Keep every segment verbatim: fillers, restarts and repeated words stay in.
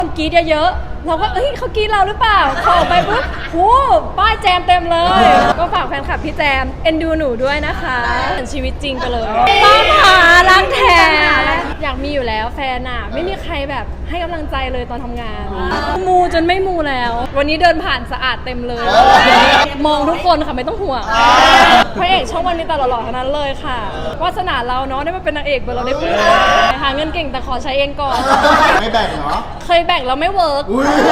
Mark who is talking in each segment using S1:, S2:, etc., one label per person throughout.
S1: กรี๊ดเยอะๆเราก็เอ้ยเขากรี๊ดเราหรือเปล่าพอออกไปปุ๊บโหป้ายแจมเต็มเลยก็ฝากแฟนคลับพี่แจมเอ็นดูหนูด้วยนะคะเหมือนชีวิตจริงไปเลยตามหารักแท้อยากมีอยู่แล้วแฟนอะไม่มีใครแบบให้กำลังใจเลยตอนทำงานมูจนไม่มูแล้ว วันนี้เดินผ่านสะอาดเต็มเลยมองทุกคนค่ะไม่ต้องห่วงพระเอกช่องวันมีแต่หล่อๆทั้งนั้นเลยค่ะวาสนาเราเนาะได้มาเป็นนางเอกเบอร์เราได้พูดหาเงินเก่งแต่ขอใช้เองก่อน
S2: ไม่แบ่งเหรอ
S1: เคยแบ่งแล้วไม่เวิร์ก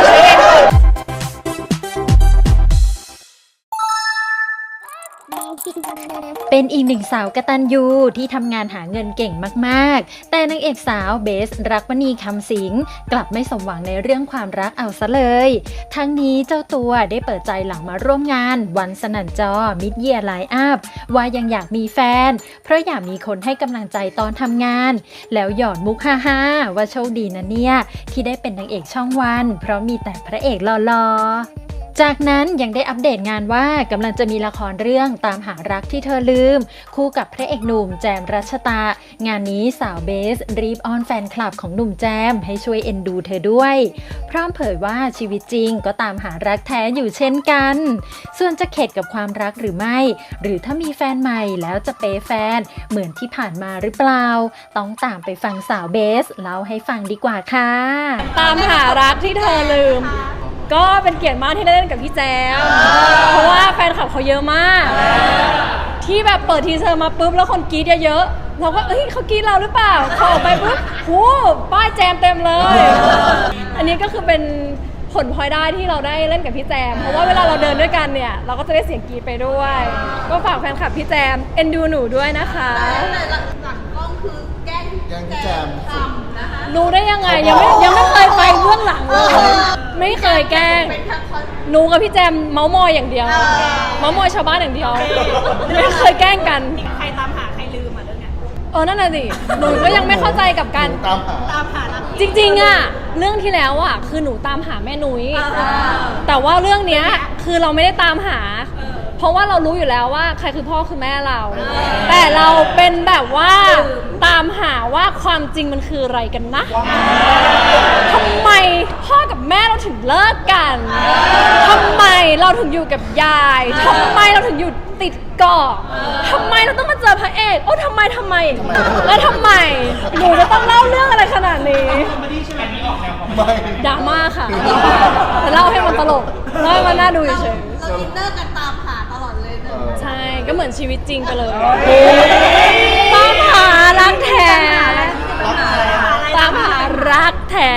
S3: เป็นอีกหนึ่งสาวกตัญญูที่ทำงานหาเงินเก่งมากๆแต่นางเอกสาวเบสรักมณีคำสิงกลับไม่สมหวังในเรื่องความรักเอาซะเลยทั้งนี้เจ้าตัวได้เปิดใจหลังมาร่วมงานวันสนั่นจอมิดเยียร์ไลน์อัพว่ายังอยากมีแฟนเพราะอยากมีคนให้กำลังใจตอนทำงานแล้วหยอดมุกฮ่าๆว่าโชคดีนะเนี่ยที่ได้เป็นนางเอกช่องวันเพราะมีแต่พระเอกหล่อๆจากนั้นยังได้อัปเดตงานว่ากำลังจะมีละครเรื่องตามหารักที่เธอลืมคู่กับพระเอกหนุ่มแจมรัชตางานนี้สาวเบสรีบอ้อนแฟนคลับของหนุ่มแจมให้ช่วยเอ็นดูเธอด้วยพร้อมเผยว่าชีวิตจริงก็ตามหารักแท้อยู่เช่นกันส่วนจะเข็ดกับความรักหรือไม่หรือถ้ามีแฟนใหม่แล้วจะเปย์แฟนเหมือนที่ผ่านมาหรือเปล่าต้องตามไปฟังสาวเบสเล่าให้ฟังดีกว่าค่ะ
S1: ตามหารักที่เธอลืมก็เป็นเกียรติมากที่ได้เล่นกับพี่แจมเพราะว่าแฟนคลับเขาเยอะมากที่แบบเปิดทีเซอร์มาปุ๊บแล้วคนกรี๊ดเยอะๆเราก็เอ้ยเขากรี๊ดเราหรือเปล่าพอออกไปปุ๊บโหป้ายแจมเต็มเลยอันนี้ก็คือเป็นผลพลอยได้ที่เราได้เล่นกับพี่แจมเพราะว่าเวลาเราเดินด้วยกันเนี่ยเราก็จะได้เสียงกรี๊ดไปด้วยก็ฝากแฟนคลับพี่แจมเอ็นดูหนูด้วยนะคะ
S4: แต่หลังกล้องคือแกล้งพี่แจมทำนะคะ
S1: รู้ได้ยังไงยังไม่ยังไม่เคยไปเบื้องหลังเลยไม่เคยแกล้งหนูกับพี่แจมเมาส์มอยอย่างเดียวเมาส์มอยชาวบ้านอย่างเดียวไม่เคยแกล้งกัน
S4: ใครตามหาใครลืมอ่ะเรื่องเนี้ย
S1: เออนั่นน่ะสิหนูก็ยังไม่เข้าใจกับการ
S2: ตามหา
S4: ตามหา
S1: จริงๆอ่ะเรื่องที่แล้วอ่ะคือหนูตามหาแม่นุ้ยแต่ว่าเรื่องเนี้ยคือเราไม่ได้ตามหาเพราะว่าเรารู้อยู่แล้วว่าใครคือพ่อคือแม่เราแต่เราเป็นแบบว่าตามหาว่าความจริงมันคืออะไรกันนะทำไมพ่อกับแม่เราถึงเลิกกันทำไมเราถึงอยู่กับยายทำไมเราถึงอยู่ติดเกาะทำไมเราต้องมาเจอพระเอกโอ้ทำไมทำไมแล้วทำไมหนูจะต้องเล่าเรื่องอะไรขนาดนี้ดราม่าค่ะแต่เล่าให้มันตลกเล่าให้มันน่าดูเฉย
S4: ๆเราอินเนอร์กันตามหาตลอดเลย
S1: ใช่ก็เหมือนชีวิตจริงไปเลยตามหารักแท้ตามหารักแท้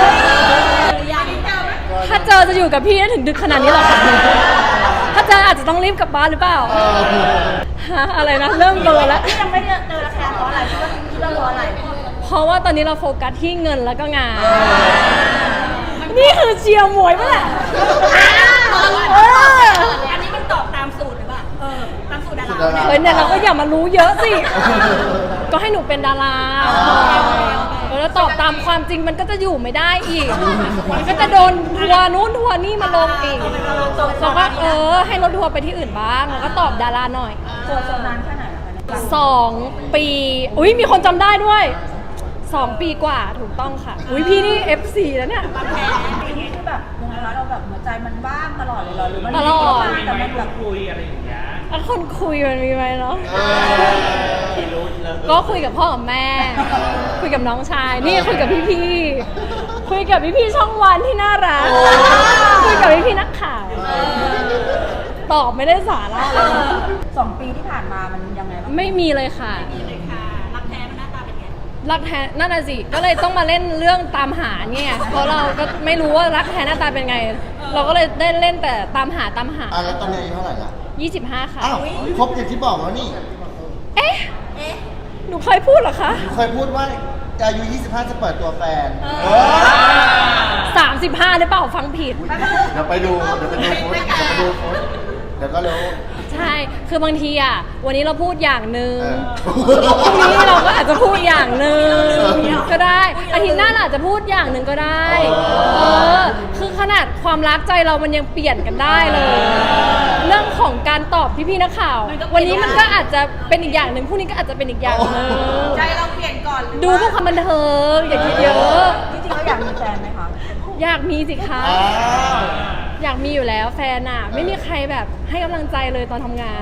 S1: ถ้าเจอจะอยู่กับพี่ถึงดึกขนาดนี้หรอคะถ้าเจออาจจะต้องรีบกลับบ้านหรือเปล่าฮะอะไรนะเริ่มเบลอแล้ว
S4: ยังไม่เจอราคาเพราะอะไรคิดว่าคิดว่าเพราะอะไร
S1: เพราะว่าตอนนี้เราโฟกัสที่เงินแล้วก็งานนี่คือเชียร์มวยป่ะแหละ
S4: อันนี้มันตอบตามสูตรหรือเปล่าเออตามสูตรดารา
S1: เฮ้ยเนี่ยเราก็อย่ามารู้เยอะสิก็ให้หนูเป็นดาราแล้วตอบตามความจริงมันก็จะอยู่ไม่ได้อีกมันก็จะโดนทัวร์นู้นทัวร์นี่มาลงอีกเราก็เออให้รถทัวร์ไปที่อื่นบ้างแล้วก็ตอบดาราหน่อย
S4: ตัวโซนานแค่ไหน
S1: สองปีอุ้ยมีคนจำได้ด้วยสองปีกว่าถูกต้องค่ะอุ้ยพี่นี่ เอฟ ซี แล้วเนี่ย
S4: ปีนี้คือแบบยังไงคะเราแบบหัวใจมันว่างตลอดเลยเหรอหรือมัน
S1: ตลอด
S4: แต่มันแบบคุยอะไรอย่างเงี้ย
S1: คนคุยมันมีไหมเนาะก็คุยกับพ่อกับแม่คุยกับน้องชายนี่คุยกับพี่ๆคุยกับพี่ๆช่องวันที่น่ารักคุยกับพี่ๆนักข่าวตอบไม่ได้สาระเลย
S4: สองปีที่ผ่านมามันยังไงบ้าง
S1: ไม่มีเลยค่ะ
S4: ไม่มีเลยค่ะรักแท้มันหน้าตาเป็นไง
S1: รักแท้นั่นน่ะสิก็เลยต้องมาเล่นเรื่องตามหาเนี่ยเพราะเราก็ไม่รู้ว่ารักแท้หน้าตาเป็นไงเราก็เลยได้เล่นแต่ตามหาตามหา
S2: อ่ะแล้วตอนนี้อายุเท่าไหร่ละ
S1: ยี่สิบห้าค่ะ
S2: อ้าวครบอย่างที่บอกแล้วนี่
S1: เอ๊ะเอ๊ะหนูเคยพูดเหรอคะ
S2: เคยพูดว่าอายุยี่สิบห้าจะเปิดตัวแฟน
S1: สามสิบห้าหรือเปล่าฟังผิด
S2: เดี๋ยวไปดูเดี๋ยวไปดูโพสเดี๋ยวไปดูโพสเดี๋ยวก็รู้
S1: ใช่คือบางทีอ่ะวันนี้เราพูดอย่างหนึ่งพรุ่งนี้เราก็อาจจะพูดอย่างหนึ่งก็ได้อาทิตย์หน้าเราอาจจะพูดอย่างหนึ่งก็ได้เออคือขนาดความรักใจเรามันยังเปลี่ยนกันได้เลยเรื่องของการตอบพี่ๆนักข่าววันนี้มันก็อาจจะเป็นอีกอย่างหนึ่งพรุ่งนี้ก็อาจจะเป็นอีกอย่างหนึ่ง
S4: ใจเราเปลี่ยนก่อน
S1: ดูเพื่อความบันเทิงอย่าคิดเยอะ
S4: จริงๆเราอยากมีแฟนไหมคะ
S1: อยากมีสิคะ
S2: อ้าว
S1: อยากมีอยู่แล้วแฟนอะไม่มีใครแบบให้กำลังใจเลยตอนทำงาน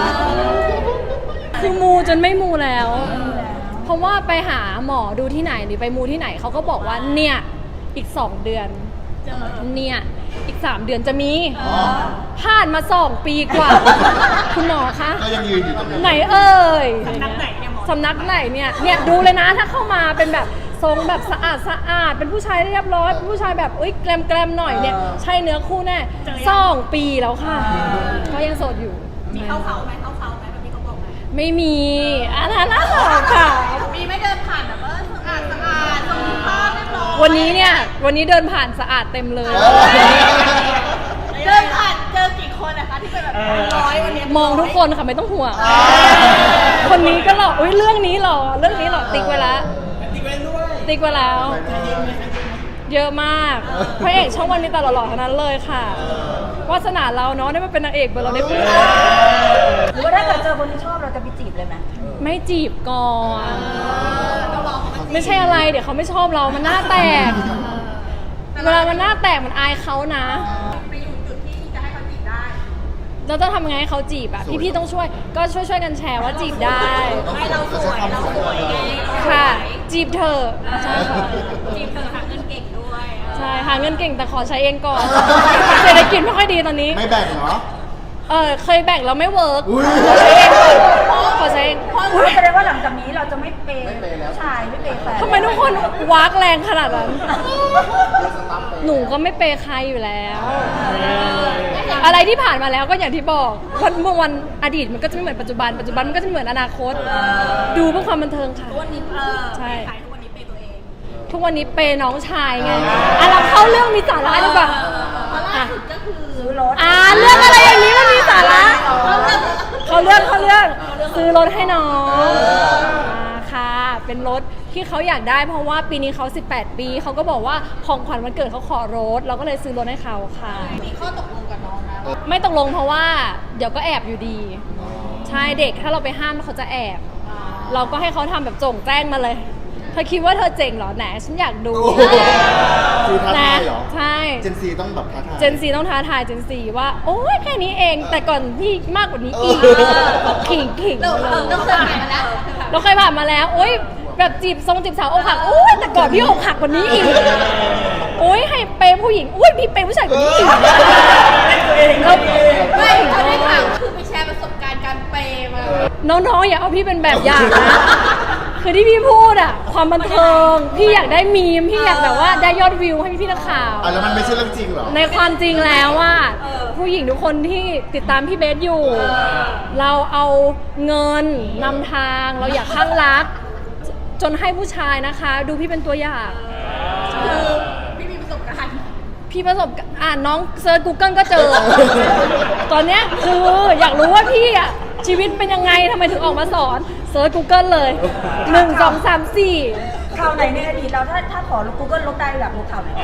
S1: คือมูจนไม่มูแล้ว เพราะว่าไปหาหมอดูที่ไหนหรือไปมูที่ไหนเขาก็บอกว่าเนี่ยอีกสองเดือนเนี่ยอีกสามเดือนจะมีผ่านมาสองปีกว่า คุณหมอคะ
S2: ก็ยังยืนอยู่ตรงนี้
S1: ไหนเอ่ยสำนักไหนเนี่ยหมอสำนักไหนเนี่ยเนี่ยดูเลยนะถ้าเข้ามาเป็นแบบทรงแบบสะอาดสะอาดเป็นผู้ชายเรียบร้อยเป็นผู้ชายแบบเอ้ยแกลมแกลมหน่อยเนี่ยใช่เนื้อคู่แน่สองปีแล้วค่ะก็ยังโสดอยู่
S4: มีเข้าเขาไหมเข้าเขาไหมแบบที่เขาบอกไหม
S1: ไม่มีอันนั้นน่าหรอกค่ะ
S4: มีไม่เดินผ่านแบบว่าสะอาดสะอาดทรงสุภาพเรียบร้อย
S1: วันนี้เนี่ยวันนี้เดินผ่านสะอาดเต็มเลย
S4: เดินผ่านเจอกี่คนนะคะที่เป็นแบบร้อยวันนี้
S1: มองทุกคนค่ะไม่ต้องห่วงคนนี้ก็หล่ออุ้ยเรื่องนี้หล่อเรื่องนี้หล่อติ๊กไว้แล้วติ๊กไว้ด้วยติ๊กไว้แล้ว เยอะมากพระเอกช่องวันมีแต่หล่อๆทั้งนั้นเลยค่ะวาสนาเราเนาะได้มาเป็นนางเอกเบอร์เราได้พูด
S5: หรือว่าถ้าเกิดเจอคนที่ชอบเราจะไปจีบเลยไหม
S1: ไม่จีบก่อน
S4: ต้องรอเขามาจีบ
S1: ไม่ใช่อะไรเดี๋ยวเขาไม่ชอบเรามันหน้าแตกเวลามันหน้าแตกมันอายเขานะ
S4: ไปอยู่จุดที่จะให้เขาจีบได้
S1: เราต้องทำไงให้เขาจีบอ่ะพี่ๆต้องช่วยก็ช่วยช่วยๆกันแชร์ว่าจีบได้
S4: ให้เราสวยเราสวยไง
S1: ค่ะ จีบเธอะใช่ค่ะ
S4: จีบเธอหาเงินเก่งด้วย
S1: ใช่หาเงินเก่งแต่ขอใช้เองก่อนเศรษฐกิจไม่ค่อยดีตอนนี้
S2: ไม่แบ่งเหรอ
S1: เออเคยแบ่งแล้วไม่เวิร์ก
S2: อุ๊ย
S1: ขอใช้เองก่อนขอใช้เอง
S5: อุ๊ยแสดงว่าหลังจากนี้เราจะไม่เปย์ผู้ชายไม่เปย์แฟน
S1: ทำไมทุกคนวากแรงขนาดนั้น หนูก็ไม่เปย์ใครอยู่แล้ว อะไรที่ผ่านมาแล้วก็อย่างที่บอกวันเมื่อวันอดีตมันก็จะไม่เหมือนปัจจุบัน ปัจจุบันมันก็จะไม่เหมือนอนาคต ดูเพื่อความบันเทิงค่ะ
S4: วันนี้เออ
S1: ใช่
S4: ขายทุกวันนี้เป็นตัวเอง
S1: ทุกวันนี้เปย์น้องชายไงอ่ะเราเข้าเรื่องมีสาระดีกว่า
S4: เพราะล่าสุดก็คือ
S5: ซื้อรถ
S1: อ่าเรื่องอะไรอย่างนี้มันมีสาระเขาเรื่องเขาเรื่องซื้อรถให้น้องอ่าค่ะ เป็นรถที่เขาอยากได้เพราะว่าปีนี้เขาสิบแปดปีเขาก็บอกว่าของขวัญวันเกิดเขาขอรถเราก็เลยซื้อรถให้เขาค่ะ
S4: มีข้อตกลงกับน้องนะ
S1: ไม่ตกลงเพราะว่าเดี๋ยวก็แอบอยู่ดี ใช่เด็กถ้าเราไปห้ามเขาจะแอบ เราก็ให้เขาทำแบบโจ่งแจ้งมาเลยเธอคิดว่าเธอเจ๋งเหรอแหนฉันอยากดู
S2: โอ้โหคือท้าทายเหรอ
S1: ใช่
S2: เจนซีต้องแบบท้าทาย
S1: เจนซีต้องท้าทายเจนซีว่าโอ้ยแค่นี้เองแต่ก่อนพี่มากกว่านี้อีก
S2: เออ
S1: ขิงขิง
S4: เรา
S1: เล
S4: เรา
S1: ย
S4: เราเคยผ่านมาแล้ว
S1: เราเคยผ่านมาแล้วโอ้ยแบบจีบทรงจีบสาวอกหักโอ้ยแต่ก่อนพี่อกหักกว่านี้อีกโอ้ยให้เปย์ผู้หญิงโอ้ยพี่เปย์ผู้ชายกว่านี้อีกแล้ว
S4: ไม่เขาได้ข่าวคือไปแชร์ประสบการณ์การเปย์มา
S1: น้องๆอย่าเอาพี่เป็นแบบอย่างนะคือที่พี่พูดอะความบันเทิงพี่อยากได้มีมพี่อยากแบบว่าได้ยอดวิวให้พี่ๆนักข่าว
S2: อ่ะแล้วมันไม่ใช่เรื่องจริงเหรอ
S1: ในความจริงแล้วว่าผู้หญิงทุกคนที่ติดตามพี่เบสอยู่ เราเอาเงินนำทางเราอยากข้างรัก จนให้ผู้ชายนะคะ ดูพี่เป็นตัวอย่าง
S4: คือพี่มีประสบการณ์
S1: พี่ประสบการณ์อ่านน้องเซิร์ช Google ก็เจอ ตอนเนี้ยคืออยากรู้ว่าพี่อะชีวิตเป็นยังไงทำไมถึงออกมาสอนเซิร์ช Google เลยหนึ่งสองสามสี่
S5: ข่าวไหนในอดีตเราถ้าถ้าขอลบ Google ลบได้อยากลบข่าวไหน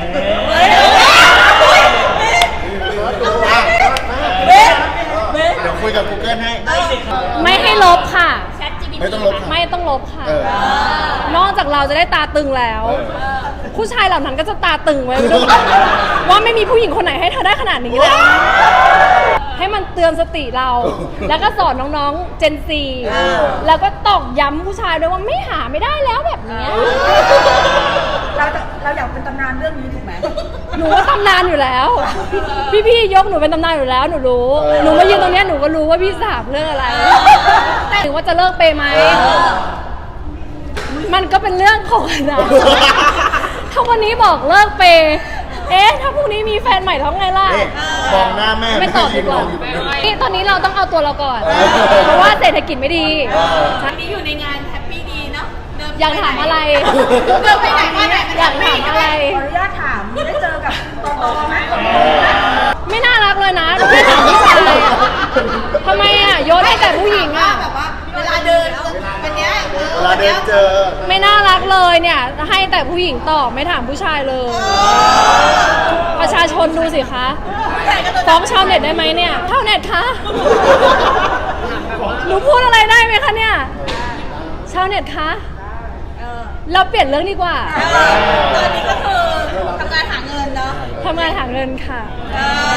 S2: เดี๋ยวคุยกับ Google ให้
S1: ไม่ให้ลบค่ะ
S4: แชท จี พี ที
S2: ไม่ต้องลบค่ะ
S1: ไม่ต้องลบค่ะ
S2: เออ
S1: นอกจากเราจะได้ตาตึงแล้ว
S2: เออ
S1: ผู้ชายเหล่านั้นก็จะตาตึงไว้ด้วยว่าไม่มีผู้หญิงคนไหนให้เธอได้ขนาดนี้เลยให้มันเตือนสติเรา แล้วก็สอนน้องๆ เจนซี แล้วก็ตอกย้ำผู้ชายด้วยว่าไม่หาไม่ได้แล้วแบบเนี้ย
S5: เราจะเราอยากเป็นตำนานเรื่องนี้ถูกไหม
S1: หนูว่าตำนานอยู่แล้ว พี่ๆยกหนูเป็นตำนานอยู่แล้วหนูรู้
S2: เออ
S1: หนูมายืนตรงเนี้ยหนูก็รู้ว่าพี่สามเรื่องอะไรถึงว่าจะเลิกเปย์ไหม มันก็เป็นเรื่องของอนะถ้าวันนี้บอกเลิกเปย์เอ๊ะ ถ้าพรุ่งนี้มีแฟนใหม่ท้องไงล่ะ
S2: นี่มองหน้าแม่
S1: ไม่ตอบดีกว่า
S2: ยืนมองอยู่ตรงนี้
S1: นี่ตอนนี้เราต้องเอาตัวเราก่อน
S2: เออ
S1: เพราะว่าเศรษฐกิจไม่ดี
S4: วันนี้อยู่ในงานแฮปปี้ดีเนาะเดิน
S1: อยากถามอะไร
S4: เดินไปไหนมาไหน
S1: อยากถามอะไร
S5: ขออนุญาตถามได้เจอกับตอตอไหม
S1: ไม่น่ารักเลยนะไม่ถามผู้ชายอะทำไมอ่ะโยนให้แต่ผู้หญิงอ่ะ
S4: แบบว่าเวลาเดินวันเนี้ย
S2: เวลาเดินเจอ
S1: ไม่น่ารักเลยเนี่ย ให้แต่ผู้หญิงตอบไม่ถามผู้ชายเลย ประชาชนดูสิคะฟ้องชาวเน็ตได้ไหมเนี่ยชาวเน็ตคะหนูพูดอะไรได้ไหมคะเนี่ยชาวเน็ตคะเราเปลี่ยนเรื่องดีกว่า
S4: ตอนนี้ก็คือทำงานหาเงิน
S1: ทำงานหาเงินค่ะ
S4: เออ